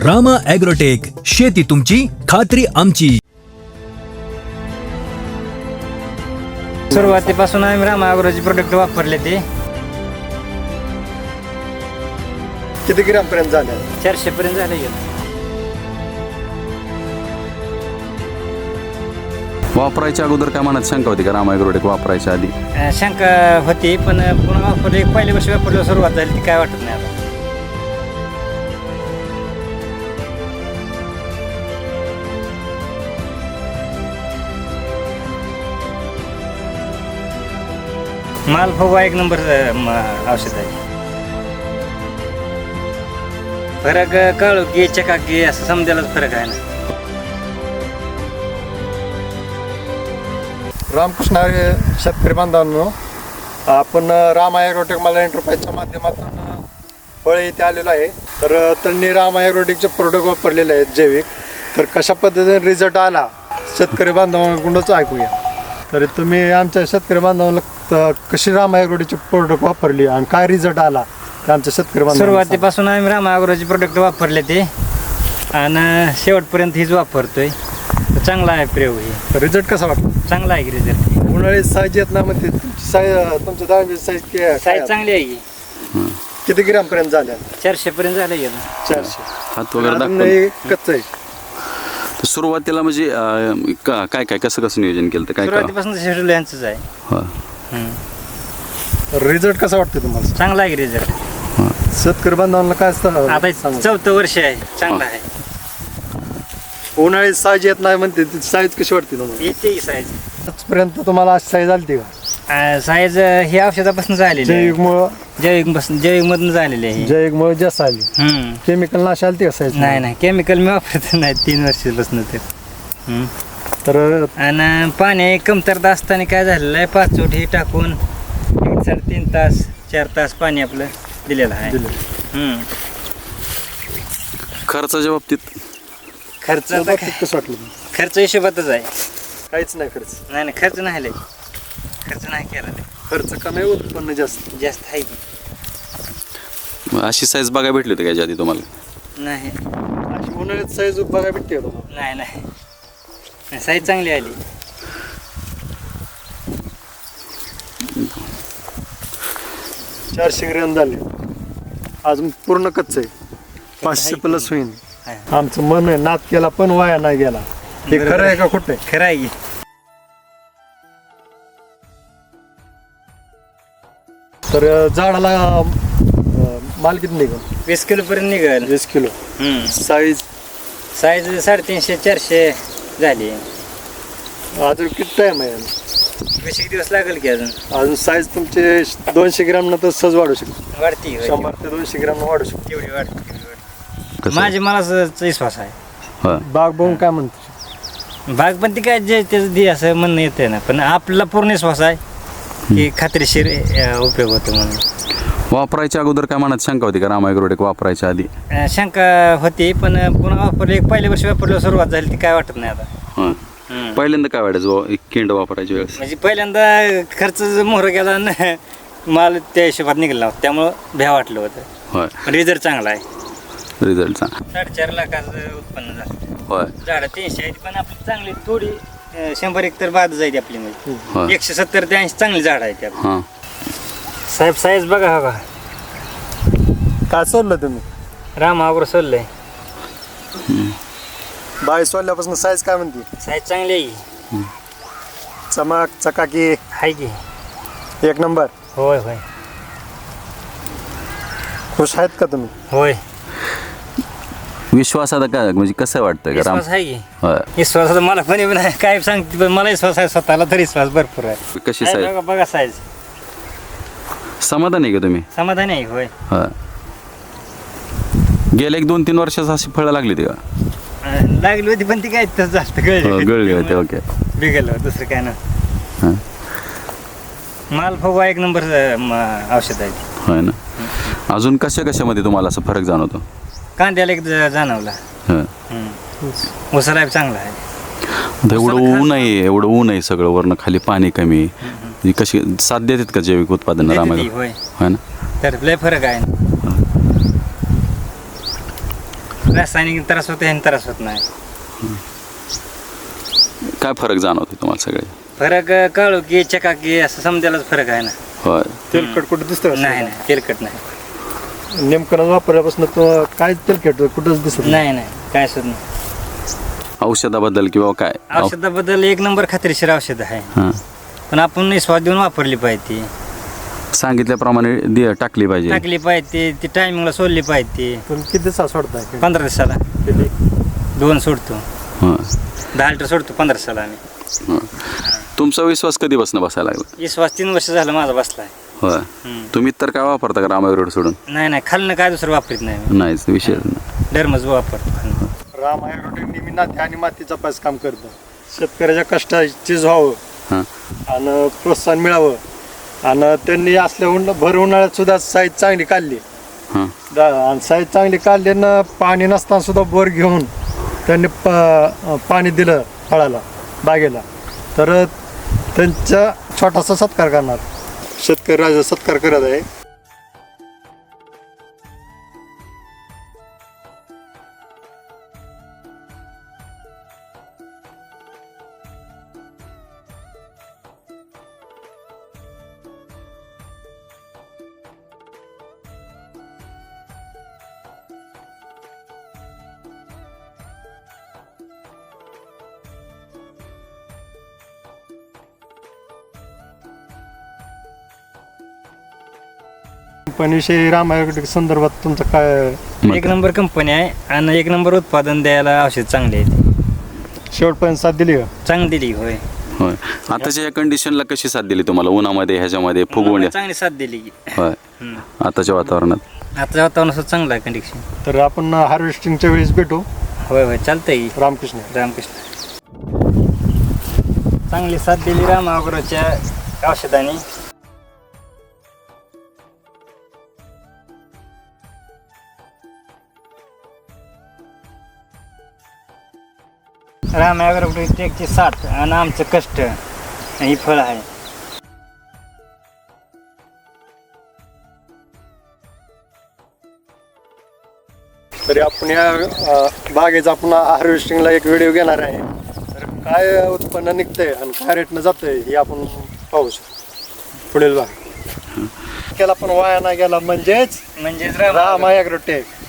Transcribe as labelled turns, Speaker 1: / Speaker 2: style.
Speaker 1: Rama agrotech, शेती तुमची, खात्री आमची.
Speaker 2: सुरुवातीपासून आम्ही रामा ॲग्रोचे प्रोडक्ट वापरले ते
Speaker 3: किती ग्रॅम पर्यंत झाल्या?
Speaker 2: 400 पर्यंत झाले गेलं.
Speaker 4: वापरायच्या अगोदर काय मनात शंका होती का रामा ॲग्रोटेक वापरायच्या आधी?
Speaker 2: शंका होती, पण पुन्हा वापरले, पहिल्या वर्षी वापरल्यावर सुरुवात झाली ती काय वाटत नाही आता. माल फुगवा एक नंबर औषध आहे. फरक काळोखी चकाकी असं समजायलाच फरक आहे ना.
Speaker 3: रामकृष्ण हरी शेतकरी बांधवांनो, आपण रामा ॲग्रोटेक मला एंटरप्राइजच्या माध्यमातून फळे इथे आलेलो आहे. तर त्यांनी रामा ॲग्रोटेकचे प्रोडक्ट वापरलेले आहेत जैविक. तर कशा पद्धतीने रिझल्ट आला शेतकरी बांधवांकडूनच ऐकूया. तर तुम्ही आमच्या शेतकरी बांधवांना कशी रामा ॲग्रोटेकचे प्रोडक्ट वापरली आणि काय रिझल्ट आला ते आमच्या शेतकरी बांधवांना
Speaker 2: सुरुवातीपासून आम्ही रामा ॲग्रोचे प्रोडक्ट वापरले ते आणि शेवटपर्यंत हीच वापरतोय. चांगला आहे प्रयोग. हे
Speaker 3: रिझल्ट कसा वाटला?
Speaker 2: चांगला आहे की रिझल्ट.
Speaker 3: उन्हाळी साईज येत नाही म्हणते तुमची साईज, तुमच्या दाण्याची साईज
Speaker 2: साईज चांगली आहे की.
Speaker 3: किती ग्रॅम पर्यंत झाल्या?
Speaker 2: 400 पर्यंत झालं गेलं.
Speaker 3: 400.
Speaker 4: हात वगैरे
Speaker 3: अजून
Speaker 4: दाखव.
Speaker 3: हे कच्चं आहे.
Speaker 4: तर सुरुवातीला म्हणजे काय काय कसं नियोजन केलं काय काय?
Speaker 2: सुरुवातीपासून शेड्यूल यांचंच आहे.
Speaker 4: होय.
Speaker 3: रिझल्ट कसा वाटतो तुम्हाला?
Speaker 2: चांगला आहे की रिझल्ट.
Speaker 3: शेतकरी बांधवांना काय असतं
Speaker 2: आता
Speaker 3: सांगू?
Speaker 2: 4थं वर्ष आहे. चांगला आहे.
Speaker 3: उन्हाळी साईज येत नाही म्हणते, ती साईज कशी वाटते तुम्हाला?
Speaker 2: येते की साईज.
Speaker 3: आजपर्यंत तुम्हाला अशी साईज आली का?
Speaker 2: साईज हे औषधापासून झालेली आहे. जैविक मधून झालेली आहे.
Speaker 3: जैविकमुळे जास्त आली. केमिकल नाश आली का साईज?
Speaker 2: नाही केमिकल मी वापरत नाही 3 वर्षापासून ते.
Speaker 3: तर
Speaker 2: आणि पाणी कमतरता असताना काय झालेलं आहे, 5 चोट हे टाकून 3.5 तास 4 तास पाणी आपलं दिलेलं आहे.
Speaker 4: खर्चाच्या बाबतीत
Speaker 2: खर्च
Speaker 3: कसं वाटलं?
Speaker 2: खर्च हिशोबातच आहे.
Speaker 3: काहीच नाही खर्च.
Speaker 2: नाही खर्च नाही लय. खर्च नाही केला लय.
Speaker 3: खर्च कमी, उत्पन्न जास्त.
Speaker 2: जास्त आहे की.
Speaker 4: अशी साईज बघायला भेटली होती का याच्या आधी तुम्हाला?
Speaker 2: नाही
Speaker 3: अशी उन्हाळ्यात साईज बघायला भेटते का तुम्हाला?
Speaker 2: नाही साईज चांगली आली.
Speaker 3: चारशे ग्रॅम झाले. अजून पूर्ण कच्च आहे. 500 प्लस होईल. आमचं मन आहे, नाद केला पण वाया नाही गेला. हे खरं आहे का खोटं आहे?
Speaker 2: खरं आहे की.
Speaker 3: तर झाडाला माल किती निघाल?
Speaker 2: 20 किलो पर्यंत निघेल.
Speaker 3: 20 किलो. साईज
Speaker 2: साईज 350 400 झाली.
Speaker 3: अजून किती टाइम आहे?
Speaker 2: 20 दिवस लागेल की अजून.
Speaker 3: अजून साईज तुमचे 200 ग्रॅम नंतर सहज वाढू शकतो.
Speaker 2: वाढती
Speaker 3: 100 ते 200 ग्रॅम वाढू शकतो.
Speaker 2: तेवढी वाढते.
Speaker 4: कसं?
Speaker 2: माझे मला विश्वास आहे.
Speaker 4: होय.
Speaker 3: बाग बघून काय म्हणतो?
Speaker 2: भाग पण ती काय जे त्याचं दे असं म्हणणं येते ना, पण आपला पूर्ण विश्वास आहे की खात्रीशीर उपयोग होतो म्हणून.
Speaker 4: वापरायच्या अगोदर काय मनात शंका होती का रामा ॲग्रोटेक वापरायच्या आधी?
Speaker 2: शंका होती, पण पुन्हा वापरले, पहिल्या वर्षी वापरल्यावर सुरुवात झाली ती काय वाटत नाही आता.
Speaker 4: हां. पहिल्यांदा काय वाटायचं एक किंड वापरायच्या वेळेस?
Speaker 2: म्हणजे पहिल्यांदा खर्च मोहर गेला ना, माल त्या हिशोबात निघाला, त्यामुळं भ्या वाटलं होतं.
Speaker 4: होय.
Speaker 2: पण रिझल्ट चांगला आहे.
Speaker 4: रिझल्ट सांग.
Speaker 2: 4.5 लाखाचं उत्पन्न झालं.
Speaker 4: होय.
Speaker 2: झाडं 300 आहेत, पण आपली चांगली थोडी 100 एक तर बाद जायची आपली.
Speaker 4: होय.
Speaker 2: म्हणजे 170 ते 80 चांगली झाडं आहेत आपली.
Speaker 4: हां.
Speaker 2: साहेब साईज बघा का.
Speaker 3: काय सोडलं तुम्ही?
Speaker 2: रामा ॲग्रो सोडलंय.
Speaker 3: बाई सोडल्यापासून साईज काय म्हणते?
Speaker 2: साईज चांगली आहे.
Speaker 3: चमक चकाकी
Speaker 2: आहे की.
Speaker 3: एक नंबर.
Speaker 2: होय होय
Speaker 3: खुश आहेत का तुम्ही?
Speaker 2: होय.
Speaker 4: विश्वास आता काय म्हणजे कसं वाटतंय का राम?
Speaker 2: विश्वास आहे की.
Speaker 4: होय.
Speaker 2: विश्वास आता मला पण नाही काय सांगते, पण मला विश्वास आहे स्वतःला, तर विश्वास भरपूर आहे.
Speaker 4: कशी
Speaker 2: आहे
Speaker 4: साईज?
Speaker 2: बघा बघा साईज.
Speaker 4: समाधान आहे का तुम्ही?
Speaker 2: समाधान आहे. होय.
Speaker 4: होय. गेल्या 1-2-3 वर्षात अशी फळं लागली होती का?
Speaker 2: लागली होती, पण ती काय तसं जास्त
Speaker 4: गळली होते. ओके.
Speaker 2: बिघडलं दुसरं काय ना.
Speaker 4: हां.
Speaker 2: माल फुगवा एक नंबर औषध आहे.
Speaker 4: होय ना. अजून कशामध्ये तुम्हाला असं फरक जाणवतो?
Speaker 2: कांद्याला एक जाणवला. उसाला चांगला आहे.
Speaker 4: आता एवढं ऊन आहे सगळं, वरनं खाली पाणी कमी. कशी साथ देतात का जैविक उत्पादन रामा?
Speaker 2: होय.
Speaker 4: होय ना.
Speaker 2: तर लय फरक आहे. रासायनिक त्रास होतो ह्याने त्रास होत नाही.
Speaker 4: काय फरक जाणवते तुम्हाला सगळे?
Speaker 2: फरक काळू की चकाकी असं समजायलाच फरक आहे ना.
Speaker 4: होय.
Speaker 3: तेलकट कुठं दिसतं
Speaker 2: नाही नाही तेलकट नाही.
Speaker 3: नेमकं वापरल्यापासून तो काय तेलकट कुठंच दिसत
Speaker 2: नाही नाही काय सुद्धा नाही.
Speaker 4: औषधाबद्दल किंवा काय?
Speaker 2: औषधाबद्दल एक नंबर खात्रीशीर औषध आहे,
Speaker 4: हां.
Speaker 2: पण आपण निस्वाद देऊन वापरली पाहिजे,
Speaker 4: सांगितल्याप्रमाणे टाकली पाहिजे.
Speaker 2: टाकली पाहिजे, ती टायमिंगला सोडली पाहिजे.
Speaker 3: पण किती दिवसात सोडताय?
Speaker 2: 15 दिवसाला
Speaker 3: किती?
Speaker 2: 2 सोडतो,
Speaker 4: हां.
Speaker 2: 10 लिटर सोडतो 15 दिवसाला आम्ही.
Speaker 4: हां. तुमचा विश्वास कधीपासून बसायला लागला?
Speaker 2: विश्वास 3 वर्ष झालं माझा बसलाय.
Speaker 4: होय. तुम्ही तर काय वापरता का रामायग्रोड सोडून?
Speaker 2: नाही नाही खाल्लं काय दुसरं वापरत नाही मी.
Speaker 4: नाहीच विषय.
Speaker 2: डरमच वापरतो.
Speaker 3: राम ॲग्रोटेक नेहमी नाते आणि मातीचा पास काम करतं. शेतकऱ्याच्या कष्टाची व्हावं
Speaker 4: हां.
Speaker 3: आणि प्रोत्साहन मिळावं. आणि त्यांनी असल्या भर उन्हाळ्यात सुद्धा साईज चांगली काढली.
Speaker 4: हां.
Speaker 3: आणि साईज चांगली काढली ना, पाणी नसताना सुद्धा बोर घेऊन त्यांनी पाणी दिलं फळाला, बागेला. तर त्यांचा छोटासा सत्कार करणार शेतकरी राजा सत्कार करत आहे. कंपनीविषयी राम ॲग्रोटेक संदर्भात तुमचं काय?
Speaker 2: एक नंबर कंपनी आहे आणि एक नंबर उत्पादन द्यायला औषध चांगले आहे.
Speaker 3: शेवटपर्यंत साथ दिली का?
Speaker 2: चांगली दिली. होय.
Speaker 4: होय. आताच्या या कंडिशनला कशी साथ दिली तुम्हाला? उन्हामध्ये ह्याच्यामध्ये फुगवण्या?
Speaker 2: चांगली साथ दिली.
Speaker 4: होय. आताच्या वातावरणात
Speaker 2: आता वातावरण चांगलं आहे कंडिशन.
Speaker 3: तर आपण हार्वेस्टिंगच्या वेळेस भेटू.
Speaker 2: होय होय चालतंय की.
Speaker 3: रामकृष्ण.
Speaker 2: रामकृष्ण. चांगली साथ दिली राम ॲग्रोच्या औषधाने. राम ॲग्रोटेकची साथ आणि आमचं कष्ट ही फळ आहे.
Speaker 3: तरी आपण या बागेचा आपण हार्वेस्टिंगला एक व्हिडिओ घेणार आहे. तर काय उत्पन्न निघतंय आणि काय रेटनं जातंय हे आपण पाहू शकतो पुढील भाग. केला पण वाया नाही गेला म्हणजेच
Speaker 2: म्हणजे
Speaker 3: राम ॲग्रोटेक.